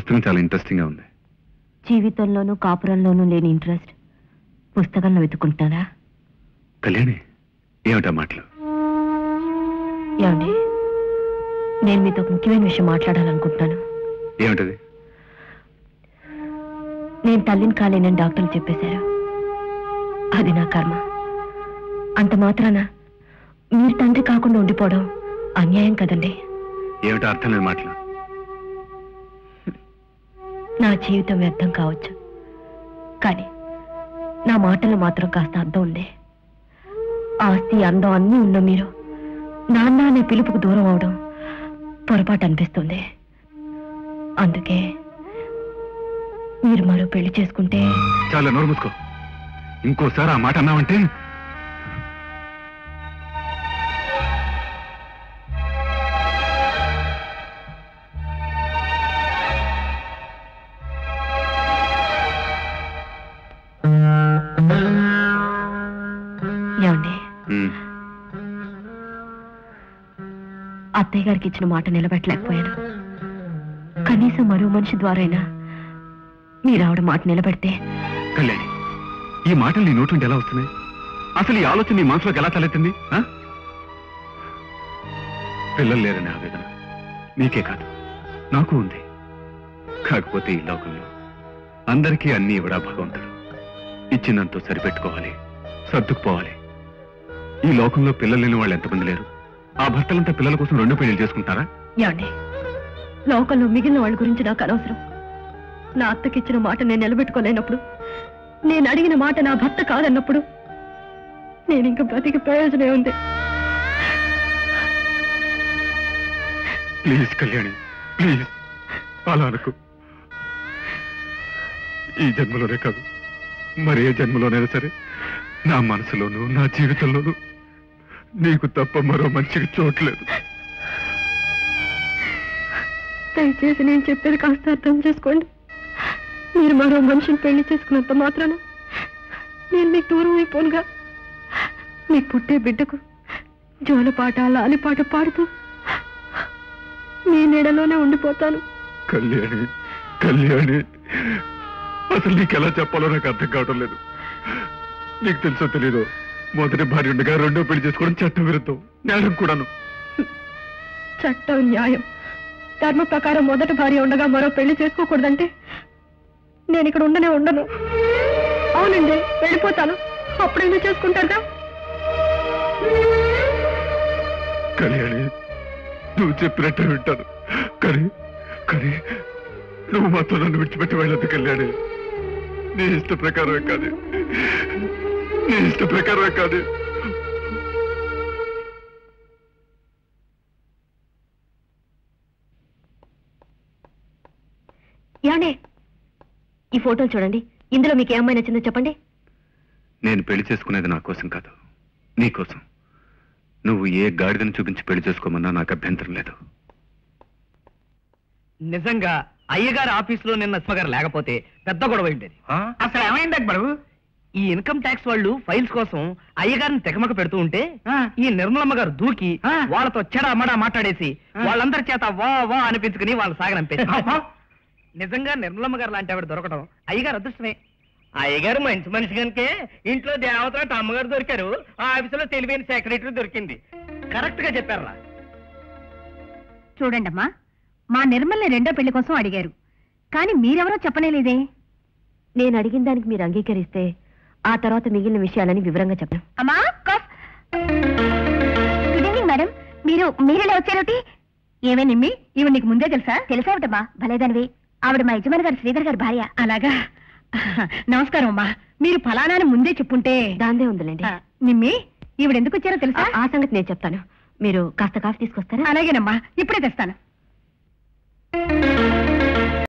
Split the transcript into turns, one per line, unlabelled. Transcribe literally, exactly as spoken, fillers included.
పుస్తకం చాలా ఇంట్రెస్టింగ్ గా ఉంది.
జీవితంలోనూ కాపురంలోనూ లేని ఇంట్రెస్ట్ పుస్తకంలో వెతుక్కుంటారా?
కళ్యాణి, ఏమిటా మాటలు?
ఏమండి, నేను మీతో ఒక ముఖ్యమైన విషయం మాట్లాడాలనుకుంటున్నాను.
ఏమిటది?
నేను తల్లిని కాలేనని డాక్టర్లు చెప్పేశారు. అది నా కర్మ. అంత మాత్రాన మీరు తండ్రి కాకుండా ఉండిపోవడం అన్యాయం కదండి.
ఏమిటో అర్థం లేని మాటలు.
నా జీవితం వ్యర్థం కావచ్చు, కానీ నా మాటలు మాత్రం కాస్త అర్థం ఉంది. ఆస్తి, అందం అన్నీ ఉన్న మీరు నాన్న అనే పిలుపుకు దూరం అవడం పొరపాటు అనిపిస్తుంది. అందుకే మీరు మరో పెళ్లి చేసుకుంటే...
చాలా నోరు మూసుకో. ఇంకోసారి ఆ మాట అన్నావంటే...
ఏమండి, అత్తయ్య గారికి ఇచ్చిన మాట నిలబెట్టలేకపోయాను. కనీసం మరో మనిషి ద్వారైనా మీరు ఆవిడ మాట నిలబెడితే...
కళ్యాణి, ఈ మాటలు నీ నోటి నుండి ఎలా వస్తున్నాయి? అసలు ఈ ఆలోచన నీ మనసులోకి ఎలా తలెత్తింది? పిల్లలు లేరని ఆవేదన నీకే కాదు, నాకు ఉంది. కాకపోతే ఈ లోకంలో అందరికీ అన్నీ ఇవ్వడా భగవంతుడు. ఇచ్చినంతో సరిపెట్టుకోవాలి, సర్దుకుపోవాలి. ఈ లోకంలో పిల్లలు లేని వాళ్ళు ఎంతమంది లేరు? ఆ భర్తలంతా పిల్లల కోసం రెండు పెళ్లి చేసుకుంటారా?
ఏమండి, లోకంలో మిగిలిన వాళ్ళ గురించి నాకు అనవసరం. నా అత్తకిచ్చిన మాట నేను నిలబెట్టుకోలేనప్పుడు, నేను అడిగిన మాట నా భర్త కాదన్నప్పుడు నేను ఇంకా బ్రతికి ప్రయోజనం ఉంది.
ప్లీజ్ కళ్యాణి, ప్లీజ్ అలా అనుకో. ఈ జన్మలోనే కాదు, మరే జన్మలోనైనా సరే నా మనసులోనూ నా జీవితంలోనూ నీకు తప్ప మరో మనిషికి చోట్లేదు.
దయచేసి నేను చెప్పేది కాస్త అర్థం చేసుకోండి. మీరు మరో మనిషిని పెళ్లి చేసుకున్నంత మాత్రాన నేను మీకు దూరం అయిపోనుగా. మీకు పుట్టే బిడ్డకు జోలపాట, లాలిపాట పాడుతూ మీ నీడలోనే ఉండిపోతాను.
కళ్యాణి, కళ్యాణి, అసలు నీకు ఎలా చెప్పాలో నాకు అర్థం కావడం లేదు. నీకు తెలుసో తెలీదో, మొదటి భార్య ఉండగా రెండో పెళ్లి చేసుకోవడం చట్టం విరుద్ధం, న్యాయం కూడాను.
చట్టం, న్యాయం, ధర్మ ప్రకారం మొదటి భార్య ఉండగా మరో పెళ్లి చేసుకోకూడదంటే నేను ఇక్కడ ఉండనే ఉండను. అవునండి, వెళ్ళిపోతాను. అప్పుడైనా చేసుకుంటారుగా.
కళ్యాణి, నువ్వు చెప్పినట్టే వింటాను, కానీ కానీ నువ్వు మాత్రం నన్ను విడిచిపెట్టి వెళ్ళదు కళ్యాణి. నీ ఇష్ట ప్రకారమే కాదు, నీ ఇష్ట ప్రకారమే కాదు.
ఏమండి, ఈ ఫోటోలు చూడండి. ఇందులో మీకు ఏమైనా నచ్చిందో చెప్పండి.
నేను పెళ్లి చేసుకునేది నా కోసం కాదు, నీ కోసం. నువ్వు ఏ గాడిదని చూపించి పెళ్లి చేసుకోమన్నా నాకు అభ్యంతరం లేదు.
నిజంగా అయ్యగారి ఆఫీసులో నిన్న సుమగారు లేకపోతే పెద్ద గొడవ ఉండేది.
అసలు ఏమైంది అక్బరు?
ఈ ఇన్కమ్ ట్యాక్స్ వాళ్ళు ఫైల్స్ కోసం అయ్యగారిని తెగమక పెడుతూ ఉంటే ఈ నిర్మలమ్మ గారు దూకి వాళ్ళతో చెడమడా మాట్లాడేసి వాళ్ళందరి చేత వా వా అనిపించుకుని వాళ్ళు సాగనంపేసి. నిజంగా నిర్మలమ్మ గారు లాంటి ఆవిడ దొరకడం అయ్యగారు అదృష్టమే.
అయ్యగారు మంచి మనిషి కనుకే ఇంట్లో దేవతలు అమ్మగారు దొరికారు, ఆ ఆఫీసులో తెలివైన సెక్రటరీ దొరికింది.
కరెక్ట్ గా చెప్పారా?
చూడండమ్మా, మా నిర్మల్ని రెండో పెళ్లి కోసం అడిగారు, కానీ మీరెవరో చెప్పనేలేదే.
నేను అడిగిన దానికి మీరు అంగీకరిస్తే ఆ తర్వాత మిగిలిన విషయాలని వివరంగా చెప్పను.
అమ్మా, గుడ్ ఈవినింగ్ మేడం. మీరు మీరెలా వచ్చారోటి? ఏమే నిమ్మి, ఇవి నీకు ముందే తెలుసా? తెలుసావిటమ్మా, భలేదానివి. ఆవిడ మా యజమాని గారు శ్రీధర్ గారి భార్య. అలాగా, నమస్కారం అమ్మా. మీరు ఫలానాని ముందే చెప్పుంటే.
దాందే ఉందిలేండి.
నిమ్మి, ఈవిడ ఎందుకు వచ్చారో తెలుసా?
ఆ సంగతి నేను చెప్తాను. మీరు కాస్త కాఫీ తీసుకొస్తారా?
అలాగేనమ్మా, ఇప్పుడే తెస్తాను.